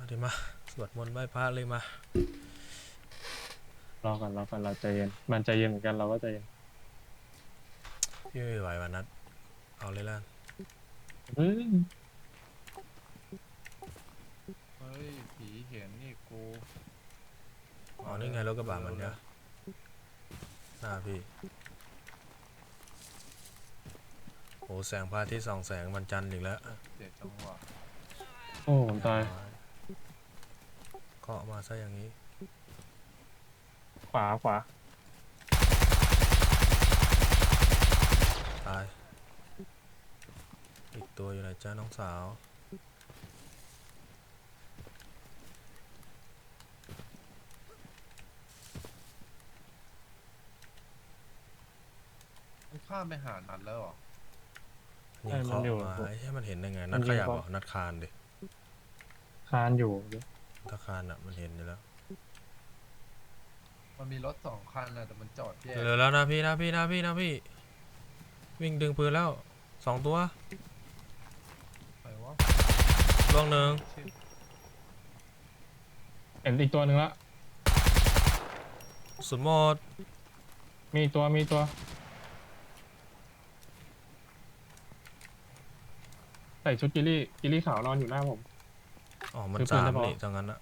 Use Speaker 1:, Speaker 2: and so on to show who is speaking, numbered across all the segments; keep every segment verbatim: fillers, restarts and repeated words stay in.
Speaker 1: มาดิมาสวดมนต์ไหว้พระเลยมาร
Speaker 2: อก่อนรอก่อนเราใจเย็นมันใจเย็นเหมือนกันเราก็ใจเย็น
Speaker 1: พี่ไม่ไหววันนัดเอาเลยล่ะ
Speaker 2: เฮ้ย
Speaker 3: เฮ้ยผีเห็นนี่กู
Speaker 1: อ๋อนี่ไงรถกระบะมันเนี่ยหน้าพี่โอ้แสงพระอาทิตย์ส่องแสงวันจันทร์อีกแล้ว
Speaker 3: เจ็ดจังหวะ
Speaker 2: โอ้ผมตาย
Speaker 1: เกาะมาซะอย่างนี้
Speaker 2: ขวาขวา
Speaker 1: ตายอีกตัวอยู่ไหนจ้าน้องสาว
Speaker 3: มันข้ามไปหานัดแล้วเหรอ
Speaker 1: ยิงเคาะมาไอ้ที่มันเห็นได้ไงนัดขยับเหรอนัดคานดิ
Speaker 2: คานอยู่
Speaker 1: ถ้าคานอ่ะมันเห็นอยู่แล้ว
Speaker 3: มันมีรถสองคันนะแต่มันจอดแยก
Speaker 1: เร็วแล้วนะพี่นะพี่นะพี่นะพี่วิ่งดึงปืนแล้วสองตัว
Speaker 3: ไปวะ
Speaker 1: ล่วงหนึ่ง
Speaker 2: เห็นอีกตัวหนึ่งละ
Speaker 1: สุดหมด
Speaker 2: มีตัวมีตัวใส่ชุดกิลี่กิลี่ขาวนอนอยู่หน้าผม
Speaker 1: อ๋อมันสามนี่จังงั้นอะ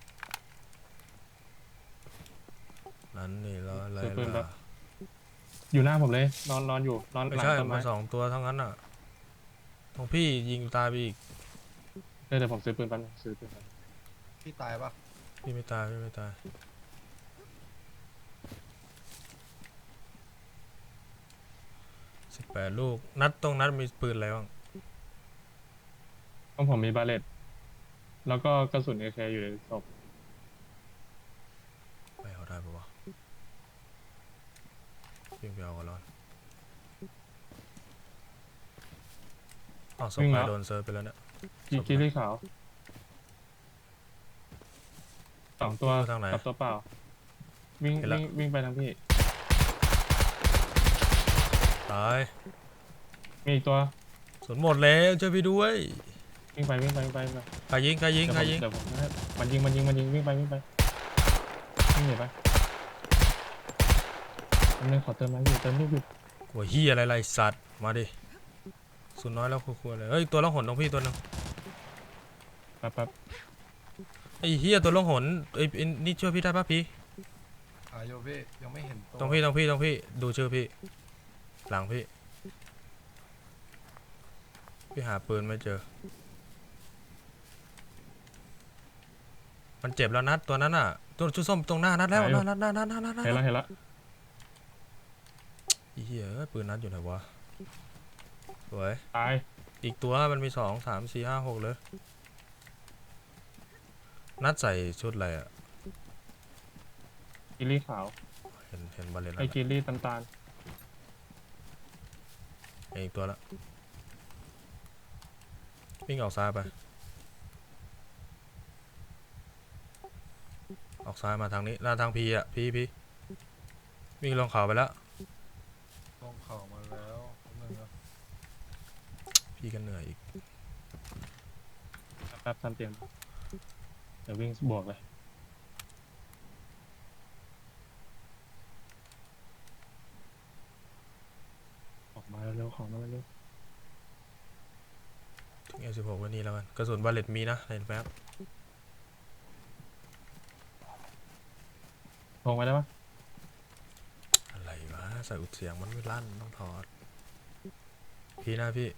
Speaker 1: นั้นนี่แล้วอะไรล่ะ
Speaker 2: อยู่หน้าผมเลยนอนนอนอยู่นอนห
Speaker 1: ไม่
Speaker 2: ลัง
Speaker 1: ใช่
Speaker 2: ต้นไม้
Speaker 1: มันสองตัวทั้งนั้นอ่ะของพี่ยิงตายไปอีก
Speaker 2: เดี๋ยวผมซื้อปืนปันซื้อปืนปัน
Speaker 3: พี่ตายปะ
Speaker 1: พี่ไม่ตายพี่ไม่ตายสิบแปดลูกนัดตรงนัดมีปืนอะไรบ้าง
Speaker 2: ของผมมีบาเลตแล้วก็กระสุนเอเคอยู่ในศพ
Speaker 1: ไปเอาได้ปะวะยิงไปเอาก่อนร้อนอ๋อศพไปโดนเซิร์ฟไปแล้วเนี่ย
Speaker 2: กิลี่ขาวสองตัวกับตัวเปล่าวิ่งวิ่งวิ่งไปทางพี่
Speaker 1: ตาย
Speaker 2: มีอีกตัว
Speaker 1: สนหมดแล้วช่วยพี่ด้วย
Speaker 2: วิ่งไปวิ่งไปวิ่งไป
Speaker 1: ใครยิงใครยิงใครยิง
Speaker 2: เดี๋ยวผมมันยิงมันยิงมันยิงวิ่งไปวิ่งไปวิ่งหนีไปมันนึงขอเติมน้ำอยู่เติมลูกอยู่
Speaker 1: หัวเฮียอะไรไรสัตว์มาดิสุดน้อยแล้วควรเลยเฮ้ยตัวล่องหนตรงพี่ตัวนึง
Speaker 2: แป๊บแป๊บ
Speaker 1: ไอ้เฮียตัวล่องหนไอ้นี่ช่วยพี่ได้ปะพี่
Speaker 3: อาโยพี่ยังไม่เห็นตัว
Speaker 1: ตรงพี่ตรงพี่ตรงพี่ดูชื่อพี่หลังพี่พี่หาปืนไม่เจอมันเจ็บแล้วนัดตัวนั้นอ่ะตัวชุดส้มตรงหน้านัดแล้วนัดนัดนัดนัดนัดนัด
Speaker 2: เห็นแล้วเห็นแล้ว
Speaker 1: ไอ้เหี้ยปืนนัดอยู่ไหนวะสวย
Speaker 2: ตาย
Speaker 1: อีกตัวมันมีสองสามสี่ห้าหกเลยนัดใส่ชุดอะไรอ่ะ
Speaker 2: กิลี่ขาว
Speaker 1: เห็นเห็นบอลเลน
Speaker 2: ไอ้กิลี่ตำตาล
Speaker 1: อีกตัวละวิ่งออกซ้ายไปออกซ้ายมาทางนี้หน้าทางพีอ่ะพีพีวิ่งลงเขาไปแล้ว
Speaker 3: ลงเข่ามาแล้วนึงนะ
Speaker 1: พี่กันเหนื่อยอีก
Speaker 2: แป๊บทำเตียงเดี๋ยววิ่งบวกเลยออกมาเร็วๆของมาเร็ว
Speaker 1: ทิ้งเอลสิบหกไว้นี่แล้วกันกระสุนบาเลตมีนะเห็นแป๊บ
Speaker 2: ลงไปได้ปะ
Speaker 1: อะไรวะใส่อุดเสียงมันไม่ลั่นต้องถอดพี่นะพี่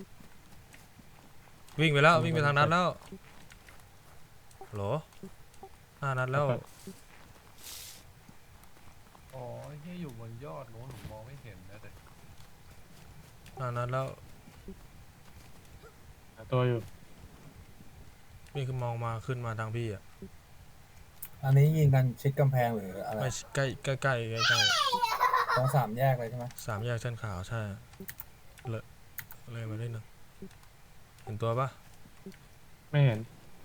Speaker 1: วิ่งไปแล้ววิ่งไปทางนัดแล้วโหลหน้านัดแล้ว
Speaker 3: อ๋อเฮียอยู่บนยอดโน้นผมมองไม่เห็นนะแต่
Speaker 1: หน้านัดแล้ว
Speaker 2: ตัวอยู่
Speaker 1: นี่คือมองมาขึ้นมาทางพี่อ่ะ
Speaker 4: อันนี้ยิงกันชิดกำแพงหรืออะไร
Speaker 1: ไม่ใกล้ใกล้ใกล้ใกล้ใกล้
Speaker 4: ตรงสามแยกเลยใช่ไหม
Speaker 1: สามแยกเส้นขาวใช่เลยเลยมาได้หนึ่งเห็นตัวปะ
Speaker 2: ไม่เห็น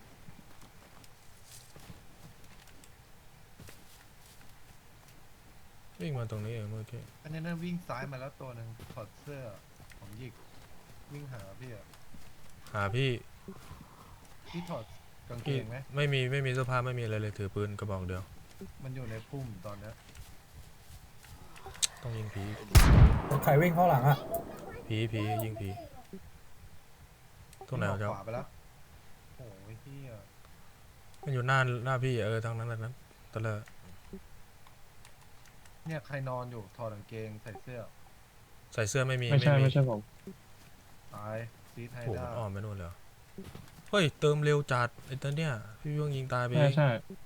Speaker 1: วิ่งมาตรงนี้เองเมื่อกี้
Speaker 3: อันนี้นั่นวิ่งซ้ายมาแล้วตัวหนึ่งถอดเสื้อผมหยิกวิ่งหาพี่อะ
Speaker 1: หาพี่
Speaker 3: พี่ถอดกกางเก
Speaker 1: พี่
Speaker 3: งไหม
Speaker 1: ไม่มีไม่มีเสื้อผ้าไม่มีอะไรเลยถือปืนกระบอกเดียว
Speaker 3: มันอยู่ในพุ่มตอนเนี้ย
Speaker 1: ต้องยิงผี
Speaker 4: ใครวิ่งเข้าหลังอ่ะ
Speaker 1: ผีผียิงผีตรงไหน
Speaker 3: วิ่
Speaker 1: วะ
Speaker 3: อ
Speaker 1: เจ้า
Speaker 3: อกขวาไปแล้วโอ้ยเฮีย
Speaker 1: มันอยู่หน้าหน้าพี่เออทางนั้นทางนั้นตะเลอะ
Speaker 3: เนี่ยใครนอนอยู่ถอดกางเกงใส่เสื้อ
Speaker 1: ใส่เสื้อไม่มี
Speaker 2: ไม่ใช่
Speaker 1: มี
Speaker 2: ไม่ใช่ผม
Speaker 3: ตายซีไท
Speaker 1: โอ้โห
Speaker 3: ด้า
Speaker 1: มันอ้อมไปนู่นเลยเหรอเฮ้ยเติมเร็วจัดไอ้ตัวเนี้ยพี่เพิ่งยิงตายไปเอ
Speaker 2: ใช่
Speaker 1: ง
Speaker 2: ใช่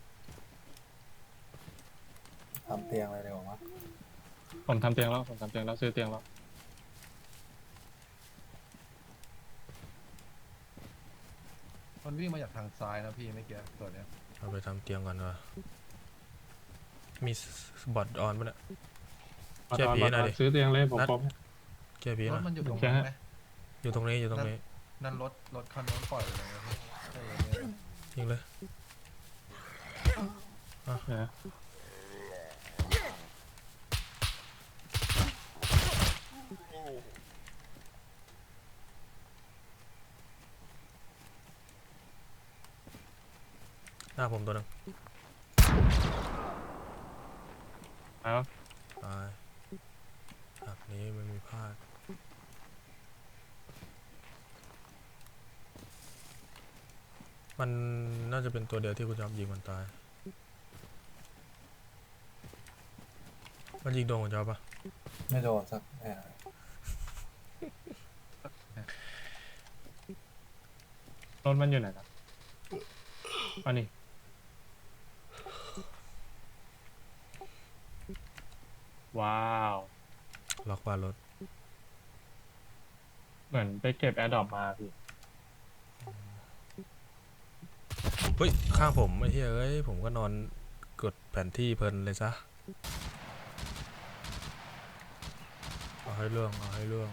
Speaker 4: ทำเตียงอะไรเดี๋ยววะ
Speaker 2: ผมทำเตียงแล้วผมทำเตียงแล้วซื้อเตียงแล้ว
Speaker 3: มันวิ่งมาจากทางซ้ายนะพี่เมื่อกี้ตัวเนี้ย
Speaker 1: เอาไปทำเตียงก่อนวะมีบอทออนปะเนี่ย
Speaker 2: มา
Speaker 1: เชื่อ
Speaker 2: ตอน
Speaker 1: ผี
Speaker 2: มา
Speaker 1: หน่
Speaker 2: ต
Speaker 1: อ
Speaker 2: อย น
Speaker 1: ดิ
Speaker 2: ซื้อเตียงเลยผม
Speaker 1: นัด
Speaker 2: ครบ
Speaker 1: เจอผี
Speaker 3: ร
Speaker 1: ห
Speaker 3: ถ
Speaker 1: น่อย
Speaker 3: มันอยู่ตรง
Speaker 2: แค่
Speaker 3: นั้นไหม
Speaker 1: อยู่ตรงนี้อยู่ตรงนี้
Speaker 3: นั่นรถรถคันนู้นปล่อยเลยนะพี่ใช่เลยเนี่ย
Speaker 1: ยิงเลย
Speaker 2: นะ
Speaker 1: หน้าผมตัวหนึง
Speaker 2: แล้ว
Speaker 1: ตายฉากนี้ไม่มีพลาดมันน่าจะเป็นตัวเดียวที่คุณจอมยิงมันตายมันยิงโดนคุณจอมปะ
Speaker 4: ไม่โดนสักแอะ
Speaker 2: รถมันอยู่ไหนครับอันนี้ว้าว
Speaker 1: ล็อกบ้านรถ
Speaker 2: เหมือนไปเก็บแอร์ดรอปมาพี่
Speaker 1: เฮ้ยข้างผมไอ้เหี้ยเอ้ยผมก็นอนกดแผนที่เพลินเลยซะเอาให้เรื่องเอาให้เรื่อง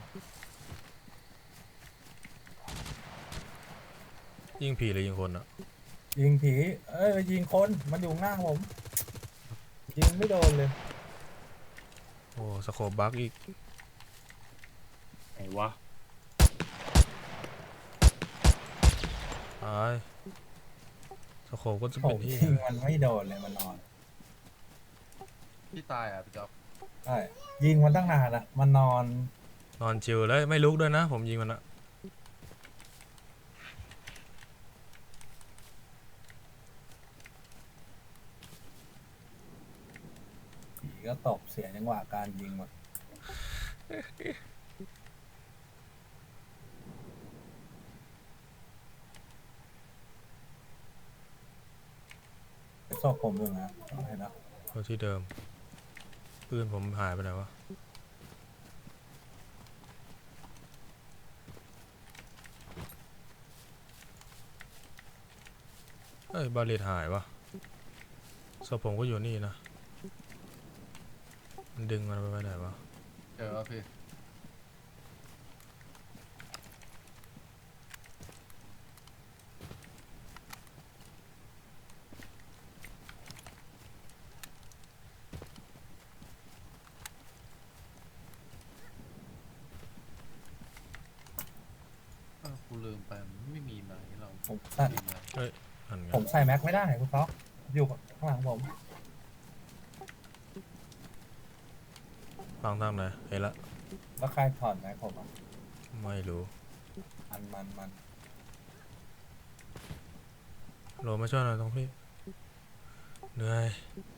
Speaker 1: ยิงผีหรือยิงคนอะ
Speaker 4: ยิงผี เอ้ยยิงคนมันอยู่ข้างหน้าผม ยิงไม่โดนเลย
Speaker 1: โอ้สโคปบักอีก
Speaker 2: ไหนวะ
Speaker 1: ตายสโคปก็จะ
Speaker 4: ผ
Speaker 1: เป็น
Speaker 4: ม
Speaker 1: ที่
Speaker 4: ยิงมันไม่โดนเลยมันนอน
Speaker 3: พี่ตายอ่ะพี่จ๊อบ
Speaker 4: ใช่ยิงมันตั้งนานอะมันนอน
Speaker 1: นอนชิวเลยไม่ลุกด้วยนะ ผมยิงมันอะ
Speaker 4: ผีก็ตกเสียจังหวะการยิงหมดศพผมอยู่นะเห็นนะ
Speaker 1: เอาที่เดิมปืนผมหายไปไหนวะเอ้ยบาเลตหายวะศพผมก็อยู่นี่นะมันดึงมันไปไว้ไหนวะ
Speaker 3: เจอแล้วพี่ เออกูลืมไปมันไม่มีไหนเรา
Speaker 4: ผมใส่
Speaker 3: มีไหน
Speaker 1: นั่นไง
Speaker 4: ผมใส่แม็กไม่ได้คุณต๊อกอยู่ข้างหลังผม
Speaker 1: ฟังทางไหนเห็นละ
Speaker 4: แล้วใครถอดแม็กผมอ่ะ
Speaker 1: ไม่รู้
Speaker 4: มันมันมัน
Speaker 1: โหลมาช่วยหน่อยตรงพี่เหนื่อย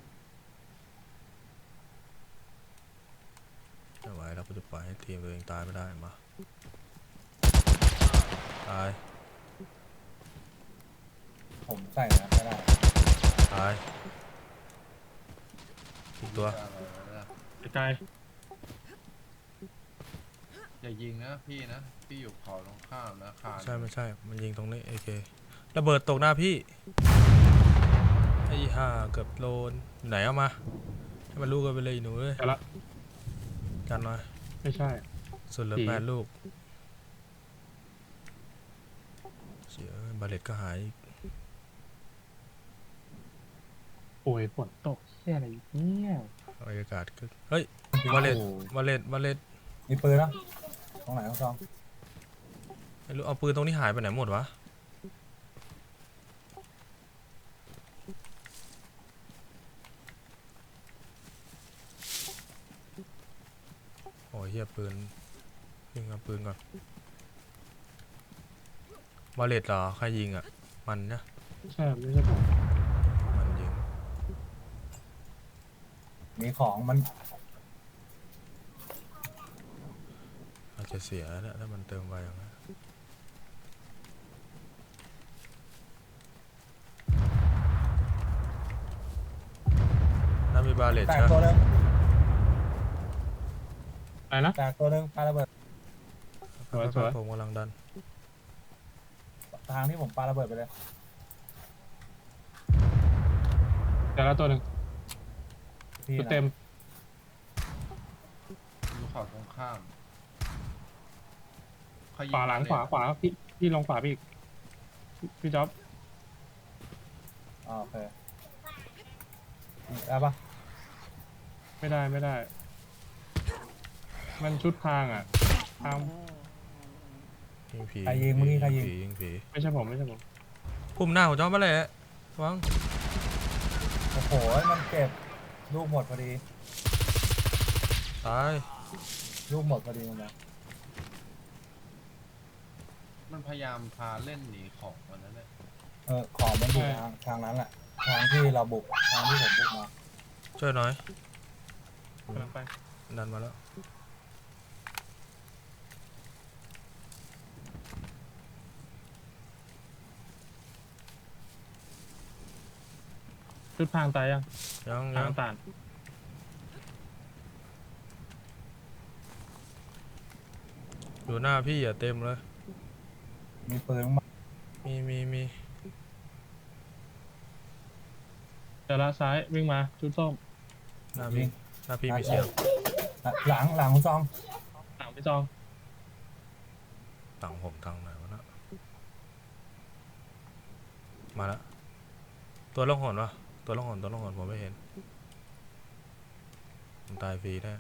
Speaker 1: ไม่ไหวแล้วกูจะปล่อยให้ทีมตัวเองตายไม่ได้มาตาย
Speaker 4: ผมใส่แม็กไม่ได้
Speaker 1: ตายอีกตัว
Speaker 2: ใกล้
Speaker 3: อย่ายิงนะพี่นะ พี่อยู่เขาตรงข้ามนะคาน
Speaker 1: ใช่ไม่ใช่ มันยิงตรงนี้โอเคระเบิดตกหน้าพี่ไอ้ห่าเกือบโดนไหนเอามาให้มันลูกกันไปเลยหนูเอ้ย
Speaker 2: ๆแต่ละ
Speaker 1: กันหน่อย
Speaker 2: ไม่ใช่
Speaker 1: ส่วนเหลือ
Speaker 2: ผี
Speaker 1: แปดลูกเสียบาเลตก็หายอีก
Speaker 2: โอ้ยฝนตกเชี่ยอะไรเนี่ย
Speaker 1: บรรยากาศก็เฮ้ยบาเลต
Speaker 2: โอ้
Speaker 1: บาเลตบาเลต
Speaker 4: มีปืนแล้วตรงไหนคุณต๊อก
Speaker 1: ไม่รู้เอาปืนตรงนี้หายไปไหนหมดวะฮียปืนยิงเอาปืนก่อนบาเลตเหรอใครยิงอ่ะมันนะ
Speaker 2: ใช่ไม่ใช่ผม
Speaker 1: มันยิง
Speaker 4: มีของมัน
Speaker 1: อาจจะเสียแล้วนะถ้ามันเติมไวอย่างนั้นน่ามีบาเลต
Speaker 4: แตก
Speaker 1: ใช่ไหม
Speaker 4: ตัวหนึง
Speaker 2: อะไรนะ
Speaker 4: แตกตัวหนึงปาระเบิด
Speaker 2: สวยสวย
Speaker 1: ผมกำลังดัน
Speaker 4: ทางที่ผมปาระเบิดไปเลย
Speaker 2: แต่ละตัวหนึ่ง
Speaker 4: พี่
Speaker 2: ตัว
Speaker 4: นะ
Speaker 2: เต็ม
Speaker 3: อยู่เขาตรงข้ามเขยิ
Speaker 2: ขวาหลัง
Speaker 3: มเย
Speaker 2: ขวาขวาพี่พี่ลงขวาพี่อีกพี่พี่จ๊อบ
Speaker 4: อ๋อโอเคนี่ได้ปะ
Speaker 2: ไม่ได้ไม่ได้ มันชุดพรางอ่ะพราง
Speaker 1: ยิงผี
Speaker 4: ใครยิงเมื่อกี้ใครยิง
Speaker 1: ผียิงผี
Speaker 2: ไม่ใช่ผมไม่ใช่ผม
Speaker 1: พุ่มหน้าของจอมมาเลยวัง
Speaker 4: โอ้โหมันเก็บลูกหมดพอดี
Speaker 1: ตาย
Speaker 4: ลูกหมดพอดีมันนะ
Speaker 3: มันพยายามพาเล่นหนีของวันนั้นแหละ
Speaker 4: เออของมันอยู่ทางทางนั้นแหละทางที่เราบุกทางที่ผมบุกมา
Speaker 1: ช่วยหน่อย
Speaker 2: กำลังไป
Speaker 1: ดันมาแล้ว
Speaker 2: ชุดพรางตายยัง
Speaker 1: ยัง
Speaker 2: ทา
Speaker 1: ยัง
Speaker 2: งต่าง
Speaker 1: อยู่หน้าพี่อย่าเต็มเลย
Speaker 4: มีปืนมา
Speaker 1: มีมีมี
Speaker 2: เจอละซ้ายวิ่งมาชุดส้ม
Speaker 1: หน้าพี่หน้าพี่มีเสียง
Speaker 4: หลังหลังคุณซอง
Speaker 2: หลังพี่จอง
Speaker 1: ฝั่งผมทางไหนวะนะมาแล้วตัวล่องหนวะตัวล่องหนตัวล่องหนผมไม่เห็นผมตายฟรีแน่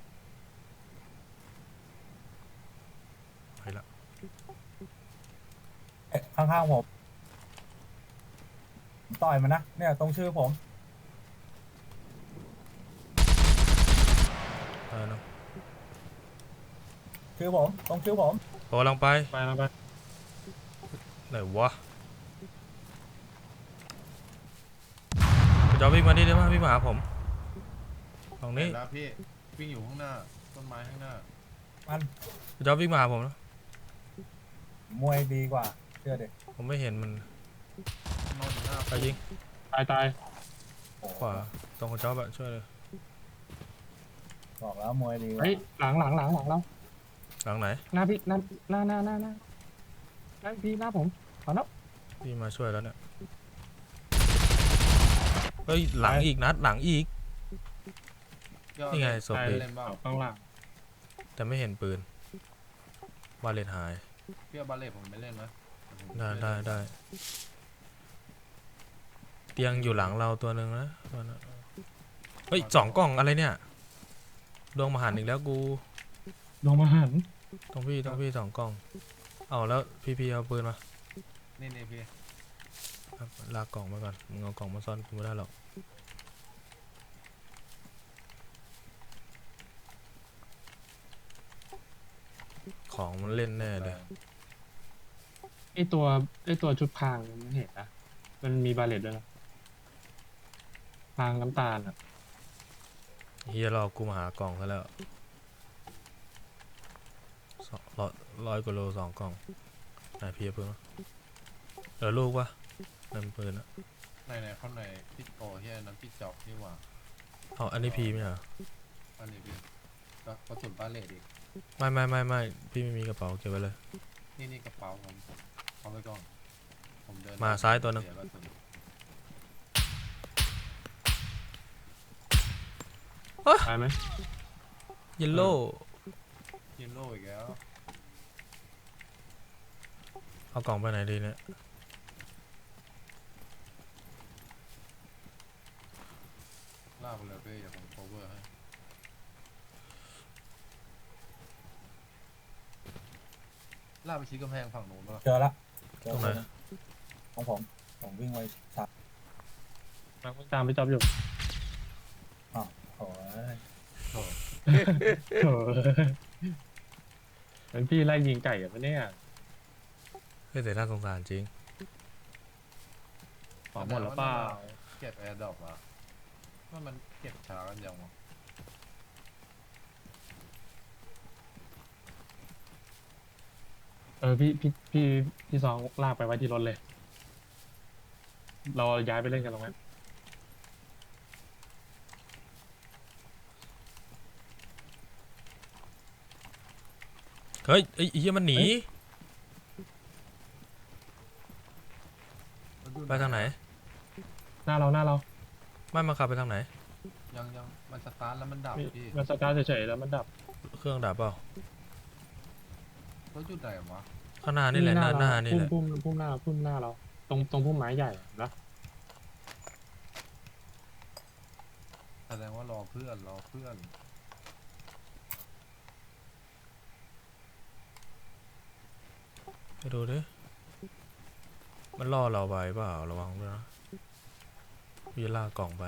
Speaker 1: ไปละ
Speaker 4: เอ๊ะข้างๆผมผมต่อยมันนะเนี่ยตรงชื่อผม
Speaker 1: เออเนาะ
Speaker 4: ชื่อผมตรงชื่อผม
Speaker 1: ผมกำลังไป
Speaker 2: ไปแล้วไป
Speaker 1: ไหนวะคุณจอวิ่งมาดิได้ไหมวิ่งมาหาผมตรงนี้
Speaker 3: เห็นแล้วพี่วิ่งอยู่ข้างหน้าต้นไม้ข้างหน้า
Speaker 4: มัน
Speaker 1: คุณจอวิ่งมาหาผมนะ
Speaker 4: มวยดีกว่าเชื่อเด็ก
Speaker 1: ผมไม่เห็นมัน
Speaker 3: นอนอยู่หน้า
Speaker 1: ไปยิง
Speaker 2: ตายตาย
Speaker 1: ขวาตรงคุณจอแบบช่วยเลย
Speaker 4: บอกแล้วมวยดีกว่า
Speaker 2: เฮ้ยหลังหลังหลังหลังเรา
Speaker 1: หลังไหน
Speaker 2: หน้าพี่หน้าหน้าหน้าหน้าหน้าหน้าพี่หน้าผมขอนับ
Speaker 1: พี่มาช่วยแล้วเนี่ยเฮ้ยหลังอีกนัดหลังอีก
Speaker 3: ยอด
Speaker 1: นี่ไงศพ
Speaker 2: ตาย
Speaker 1: พี่
Speaker 3: เล่นบ้าง
Speaker 2: ข้างหลัง
Speaker 1: แต่ไม่เห็นปืนบาเลตหาย
Speaker 3: พี่เอาบาเล่ผมไม่เล่นนะผม
Speaker 1: ได้
Speaker 3: ม่
Speaker 1: ได้
Speaker 3: เล่น
Speaker 1: ได้เตียงอยู่หลังเราตัวหนึ่งนะตัวนั้นเฮ้ยสองกล่องอะไรเนี่ยดวงมหันต์อีกแล้วกู
Speaker 2: ลงมาหัน
Speaker 1: ต้องพี่ต้องพี่สองกล่องเอาแล้วพี่พี่เอาปืนมา
Speaker 3: นี่นี่พี่
Speaker 1: ครับลากกล่องมาก่อนมึงเอากล่องมาซ่อนกูไม่ได้หรอกของมันเล่นแน่เลย
Speaker 2: ไอตัวไอตัวชุดพรางมันเห็นนะมันมีบาเลตด้วยนะพรางน้ำตาลอ่ะ
Speaker 1: เฮียรอกูมาหากล่องซะแล้วสองร้อยร้อยกว่าโลสองกล่องไหนพี่เอาปืนมาเหลือลูกปะนั่นปืนอะ
Speaker 3: ในในข้างในพี่โอ้เฮียน้ำพี่จอกนี่หว่า
Speaker 1: เอาอันนี้พีไหมเหรอ
Speaker 3: อันนี้พี่ก็กระสุนบาเล่อีก
Speaker 1: ไม่ไม่ไม่ไม่พี่ไม่มีกระเป๋าเก็บไว้เลย
Speaker 3: นี่นี่กระเป๋าผมเอาไปก่อนผมเดิน
Speaker 1: มาซ้ายตัวหนึ่ง
Speaker 3: เสียกระสุน
Speaker 2: ตายไหม
Speaker 1: เยลโล่
Speaker 3: ยินโลอีกแล้ว
Speaker 1: เอากล่องไปไหนดีเนี่ย
Speaker 3: ลากไปเลยพี่อย่าผม cover ให้ลากไปชี้กำแพงฝั่งนู้นป่ะ
Speaker 4: เจอละเจ
Speaker 1: ต
Speaker 4: อ
Speaker 1: รงไหน
Speaker 4: ของผมผมวิ่งไว้สับ
Speaker 2: มันตามไปจับอยู่
Speaker 4: โอ้ย
Speaker 3: โถ่
Speaker 2: โถ่เป็นพี่ไล่ยิงไก่อะปะเนี่ย
Speaker 1: เฮ้ยแต่น่าสงสารจริง
Speaker 2: ของหมดแล้วเปล่า
Speaker 3: เก็บแอร์ดรอปอะว่ามันเก็บช้ากันยังวะ
Speaker 2: เออพี่พี่พี่พี่ซองลากไปไว้ที่รถเลย เราย้ายไปเล่นกันตรงนั้น
Speaker 1: เฮ้ยไอ้เหี้ยมันหนี ไปทางไหน
Speaker 2: หน้าเราหน้าเรา
Speaker 1: ไม่มาขับไปทางไหน
Speaker 3: ยังยังมันสตาร์ทแล้วมันดับ
Speaker 2: มี
Speaker 3: พี่
Speaker 2: มันสตาร์ทเฉยๆแล้วมันดับ
Speaker 1: เครื่องดับเปล่าร
Speaker 3: ถจุดไหนวะ
Speaker 1: ข้างหน้านี่แหละหน้าหน้านี่แหละ
Speaker 2: พุ่มพุ่มพุ่มหน้าพุ่มหน้าเรา ตรงตรงพุ่มไม้ใหญ่นะ
Speaker 3: แสดงว่ารอเพื่อนรอเพื่อน
Speaker 1: ไปดูดิมันล่อเราไปเปล่าระวังด้วยนะพี่จะลากกล่องไป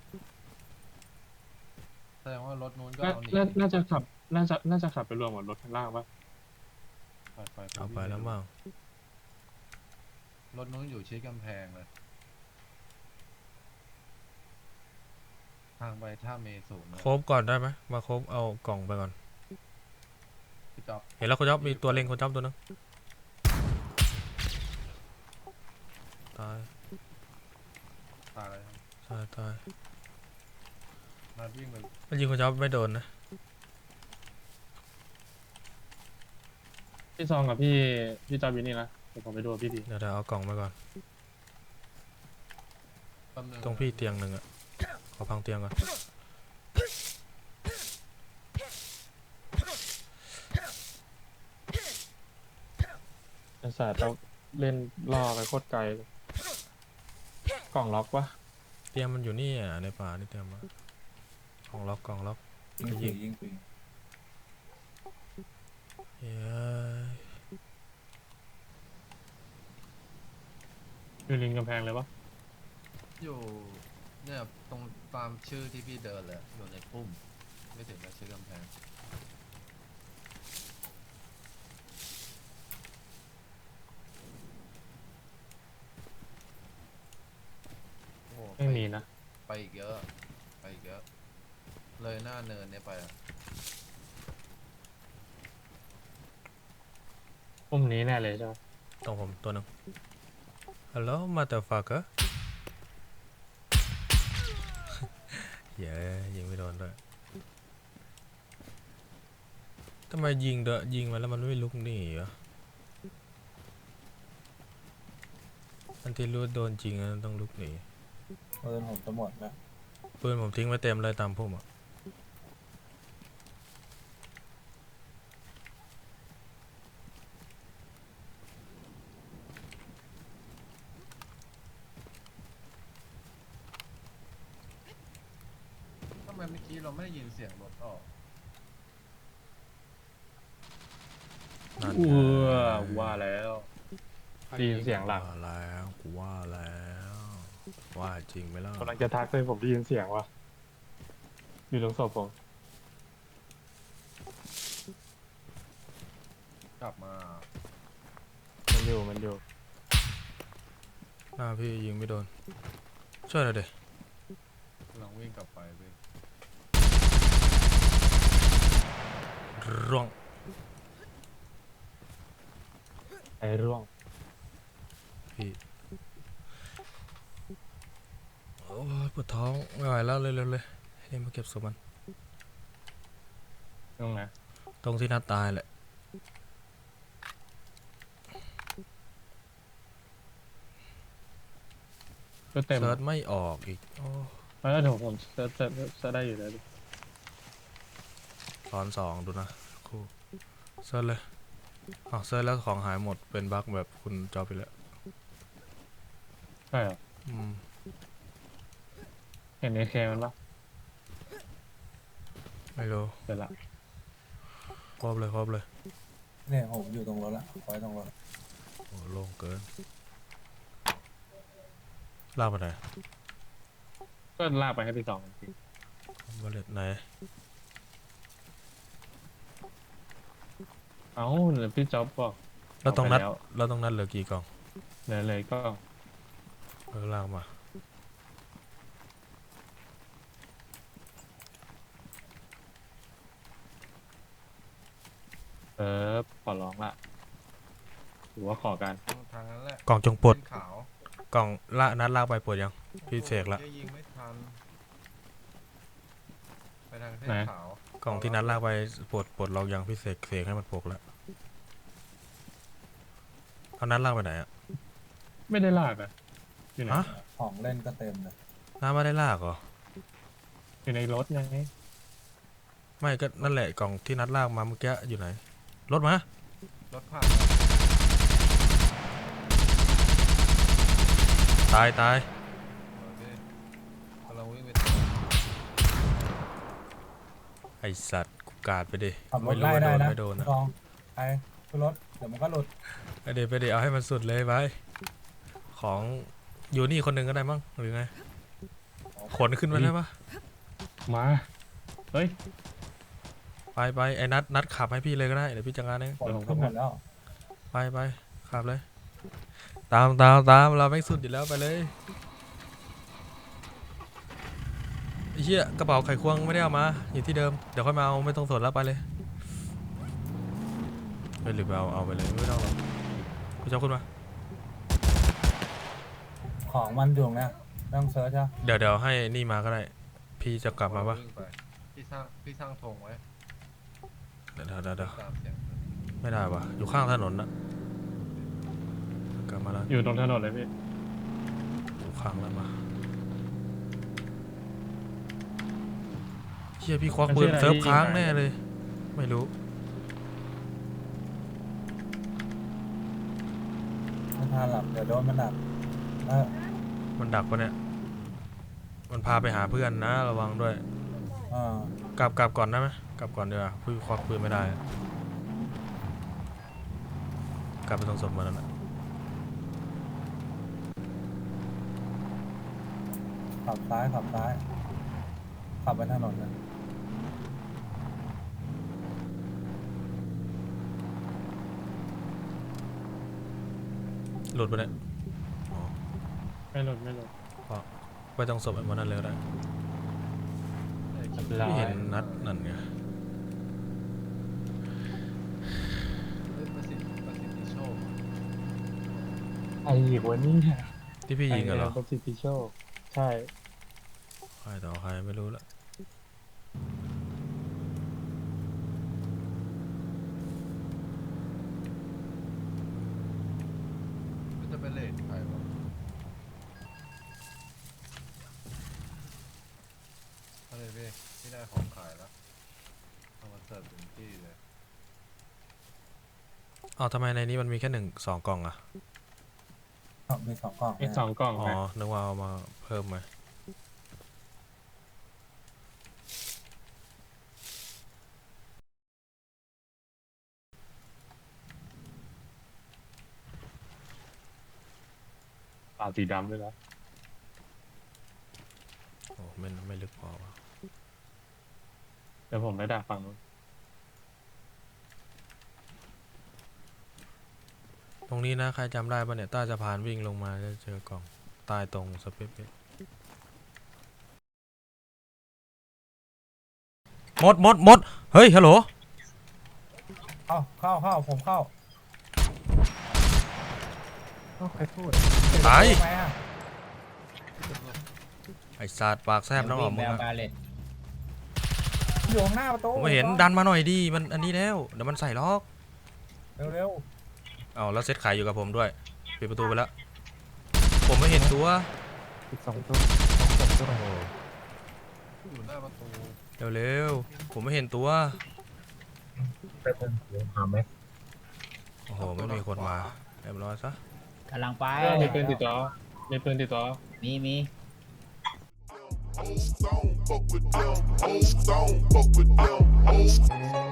Speaker 3: แสดงว่ารถนู้นก็
Speaker 2: น่า
Speaker 3: เอาหนี
Speaker 2: น่าน่าจะขับ น่าจะน่าจะขับไปรวมกับรถข้างล่างปะ
Speaker 3: ไปไป
Speaker 1: เอาไปแล้วมั้ง
Speaker 3: รถนู้นอยู่ชิดกำแพงเลย ทางไปท่าเมสูงเลย
Speaker 1: โคบก่อนได้ไหมมาโคบเอากล่องไปก่อน
Speaker 3: พี่จ๊อบ
Speaker 1: เห็นแล้วคุณจ๊อบมีตัวเล็งคุณจ๊อบตัวนึงตาย
Speaker 3: ตายเลยครับ
Speaker 1: ตายตาย
Speaker 3: นัดวิ่งไป
Speaker 1: มันยิงคุณจ๊อบไม่โดนนะ
Speaker 2: พี่ซองกับพี่พี่จอยวินนี่นะเดี๋ยวผมไปดูกับพี่ดี
Speaker 1: เดี๋ยวเดี๋ยวเอากล่องไปก่อน
Speaker 3: แป๊บนึ
Speaker 1: ตรงพี่เตียงหนึ่งอะขอพังเตียงก่อน
Speaker 2: ไอ้สัตว์เราเล่นล่อไปโคตรไกลเลยกล่องล็อกวะ
Speaker 1: เตียงมันอยู่นี่อ่ะในป่านี่เตียงมากล่องล็อกกล่องล็อก
Speaker 4: ยิง
Speaker 1: ยิ
Speaker 4: ปี
Speaker 1: ง
Speaker 4: ยิงปี
Speaker 1: เย้ย
Speaker 2: อยู่ริมกำแพงเลยวะ
Speaker 3: อยู่เนี่ยตรงตามชื่อที่พี่เดินเลยอยู่ในปุ่ม ไม่ถึงกับชื่อกำแพงโอ้
Speaker 2: ไม่มีนะ
Speaker 3: ไปอีกเยอะ ไปอีกเยอะ เลยหน้าเนินเนี่ยไปอะ
Speaker 2: พุ่มนี้แน่เลยใช่ไหม
Speaker 1: ตรงผมตัวหนึ่งฮัลโหลมาเตอร์ฟักเกอร์เย้ยยิงไม่โดนด้วยทำไมยิงเดอะยิงมาแล้วมันไม่ลุกหนีวะอันที่รู้โดนจริงอะต้องลุกหนี
Speaker 4: ปืนผมจะหมดแล้ว
Speaker 1: ปืนผมทิ้งไว้เต็มเลยตามพุ่มอ่ะ
Speaker 3: ทำไมเมื่อกี้เราไม่ได้ยินเสียงรถออก
Speaker 1: นั่น
Speaker 2: เอ
Speaker 1: ไง
Speaker 2: อว่าแล้วได้ยินเสียงหลัง
Speaker 1: ว่าแล้วกูว่าแล้วว่าจริงไหมล่ะ
Speaker 2: กำลังจะทักเลยผมได้ยินเสียงว่ะอยู่ตรงศพผม
Speaker 3: กลับมา
Speaker 2: มันอยู่มันอยู่
Speaker 1: หน้าพี่ยิงไม่โดนช่วยหน่อยเด็
Speaker 3: กำลังวิ่งกลับไปเว้ย
Speaker 1: ร่วง
Speaker 2: ไอ้ร่วง
Speaker 1: พี่โอ้ยปวดท้องไม่ไหวแล้วเลยเร็วๆเลยให้มาเก็บศพมัน
Speaker 2: ตรงไหน
Speaker 1: ตรงที่นัดตายแหละ
Speaker 2: ก็เต็ม
Speaker 1: เซิร์ชไม่ออกอีกโอ้
Speaker 2: แล้วเดี๋ยวผมเซิร์ชเซิร์ชเซิร์ชได้อยู่แล้วดิ
Speaker 1: ตอนสองดูนะครูเซิร์ชเลยอ้าวเซิร์ชแล้วของหายหมดเป็นบั๊กแบบคุณจอไปแล้ว
Speaker 2: ใช่เหรอ
Speaker 1: อืม
Speaker 2: เห็นในเคมันปะ
Speaker 1: ไม่รู้
Speaker 2: เสร็จละ
Speaker 1: ครบเลยครบเลย
Speaker 4: เนี่ยผมอยู่ตรงรถละไว้ตรงรถ
Speaker 1: โอ้โล่งเกินลากไปไหน
Speaker 2: ก็ลากไปให้พี่สองจริง
Speaker 1: บอลเลตไหน
Speaker 2: เอ้าเดี๋ยวพี่จ๊อบบอก
Speaker 1: แล้วตรงนัด
Speaker 2: เอาไปแล้ว
Speaker 1: แล้วตรงนั้นเหลือกี่กล่อง
Speaker 2: เหลยเลยก็
Speaker 1: เออลากมา
Speaker 2: เออขอร้องละหรือว่าขอกัน
Speaker 3: ทางทางนั้นแหละ
Speaker 1: กล่องจงปลด
Speaker 3: เป็นขาว
Speaker 1: กล่องละนัดลากไปปลดยังพี่เสกละ
Speaker 3: โอ้ยยิงไม่ทันไปทางเส้น
Speaker 2: ไหน
Speaker 3: ขาว
Speaker 1: กล่องที่นัดลากไปปลดปลดล็อกยังพี่เสกเสกให้มันปลดแล้วเอานัดลากไปไหนอะ
Speaker 2: ไม่ได้ลากอะอยู่ไหน
Speaker 1: ฮะ
Speaker 4: ของเล่นก็เต็มเลย
Speaker 1: น้าไม่ได้ลากเหรอ
Speaker 2: อยู่ในรถไง
Speaker 1: ไม่ก็นั่นแหละกล่องที่นัดลากมาเมื่อกี้อยู่ไหนรถมาร
Speaker 3: ถผ่าน
Speaker 1: ตายตาย
Speaker 3: โอเคกำลังวิ่งไป
Speaker 1: ไอสัตว์กูกาดไปดิ
Speaker 4: ขับร
Speaker 1: ไม่
Speaker 4: ถ
Speaker 1: รู้
Speaker 4: ไล่
Speaker 1: ว่าโด
Speaker 4: ได้
Speaker 1: น
Speaker 4: นะ
Speaker 1: ไม่โดนนะ
Speaker 4: ลองไปขึ้นรถเดี๋ยวมันก็หลุด
Speaker 1: ไปเดี๋ยวไปเดี๋ยวเอาให้มันสุดเลยไปของอยู่นี่คนหนึ่งก็ได้มั้งหรือไงขนขึ้นมาได้ปะ
Speaker 2: มาเฮ้ย
Speaker 1: ไปไปไอ้นัดนัดขับให้พี่เลยก็ได้เดี๋ยวพี่จัดการเอง
Speaker 4: ฝนขึ้นหมดแล้ว
Speaker 1: ไปไปขับเลย ตามตามตามเราไม่สุดอยู่แล้วไปเลยไอ้เหี้ยกระเป๋าไขควงไม่ได้เอามาอยู่ที่เดิมเดี๋ยวค่อยมาเอาไม่ต้องสนแล้วไปเลยไปหรือไปเอาเอาไปเลยไม่ต้องหรอกพี่เจ้าขึ้นมา
Speaker 4: ของมันอยู่เนี่ยต้องเซิร์ชใช่
Speaker 1: เดี๋ยวเดี๋ยวให้นี่มาก็ได้พี่จะกลับมาปะ
Speaker 3: วิ่งไปพี่สร้างพี่สร้างธงไว้
Speaker 1: เดี๋ยวเดี๋ยวเดี๋ยวเดี๋ยว
Speaker 3: ตามเสียง
Speaker 1: ไม่ได้ปะอยู่ข้างถนนนะกลับมาแล้ว
Speaker 2: อยู่ตรงถนนเลยพี่
Speaker 1: อยู่ข้างแล้วมาเชี่ยพี่ควักปืนเซิร์ฟค้างแน่เลยไม่รู้
Speaker 4: ไม่ทันหลับเดี๋ยวโดนมันดักเออ
Speaker 1: มันดักปะเนี่ยมันพาไปหาเพื่อนนะระวังด้วย
Speaker 4: เออก
Speaker 1: ลับกลับก่อนได้ไหมกลับก่อนดีกว่าพี่ควักปืนไม่ได้กลับไปตรงศพมันนั่นแหละ
Speaker 4: ขับซ้ายขับซ้ายขับไปถนนนะ
Speaker 1: หลุดไปเนี่ย
Speaker 2: ไม่หลุดไม่หลุด
Speaker 1: ไปตรงศพมันนั่นเลยก็ได้
Speaker 2: ลา
Speaker 1: พี่
Speaker 2: ย
Speaker 1: เห็นนัดนั่นไง
Speaker 3: เฮ้ยประสิทธิ์ประสิทธิโชค
Speaker 2: ไอ้หัวนี่
Speaker 1: ที่พี่ยิงกันเหรอ
Speaker 2: ประสิทธิโชคใช่
Speaker 1: ใครต่อใครไม่รู้ละ
Speaker 3: มันจะเป็นเลทใครวะเอาเลยพี่พี่ได้ของขายแล้วเอามาเสิร์ฟถึงที่เลย
Speaker 1: อ้าวทำไมในนี้มันมีแค่หนึ่งสองกล่องอะ
Speaker 4: เอามีสองกล่อง
Speaker 2: ไอ้สองกล่อง
Speaker 1: อ๋อ
Speaker 2: นะ
Speaker 1: นึกว่าเอามาเพิ่มไหม
Speaker 2: ปากสีดำด้วยนะ
Speaker 1: โอ้ไม่ไม่ลึกพอวะ
Speaker 2: เดี๋ยวผมไปดักฝั่งนู้น
Speaker 1: ตรงนี้นะใครจำได้ปะเนี่ยใต้สะพานวิ่งลงมาจะเจอกล่องใต้ตรงสเปซหมดหมดหมดเฮ้ยฮัลโหล
Speaker 4: เข้าเข้าเข้าผมเข้า
Speaker 2: ใครพูด
Speaker 1: ตาย
Speaker 4: ทำไมอะ
Speaker 1: ไอ้สัตว์ปากแซบน้องออกมึงอะ
Speaker 4: อยู่ข้างหน้าประตู
Speaker 1: ผมไม่เห็นดันมาหน่อยดิมันอันนี้แล้วเดี๋ยวมันใส่ล็อก
Speaker 4: เร็ว
Speaker 1: เอาแล้วเซตขายอยู่กับผมด้วยปิดประตูไปแล้ว ผมไม่เห็นตัว
Speaker 2: อีกสองตัว
Speaker 1: โอ้โห
Speaker 3: อยู่หน้าประตู
Speaker 1: เร็วๆผมไม่เห็นตัว
Speaker 4: ๆไปเพิ่มเดี๋ยวหาไหม
Speaker 1: โอ้โหไม่มีคนมาเรียบร้อยซะ
Speaker 5: กำลังไป
Speaker 2: มีปืนติดต่อมีปืนติดต่อ
Speaker 5: มีมี
Speaker 6: Old zone, fuck with them. Old zone, fuck with them. Old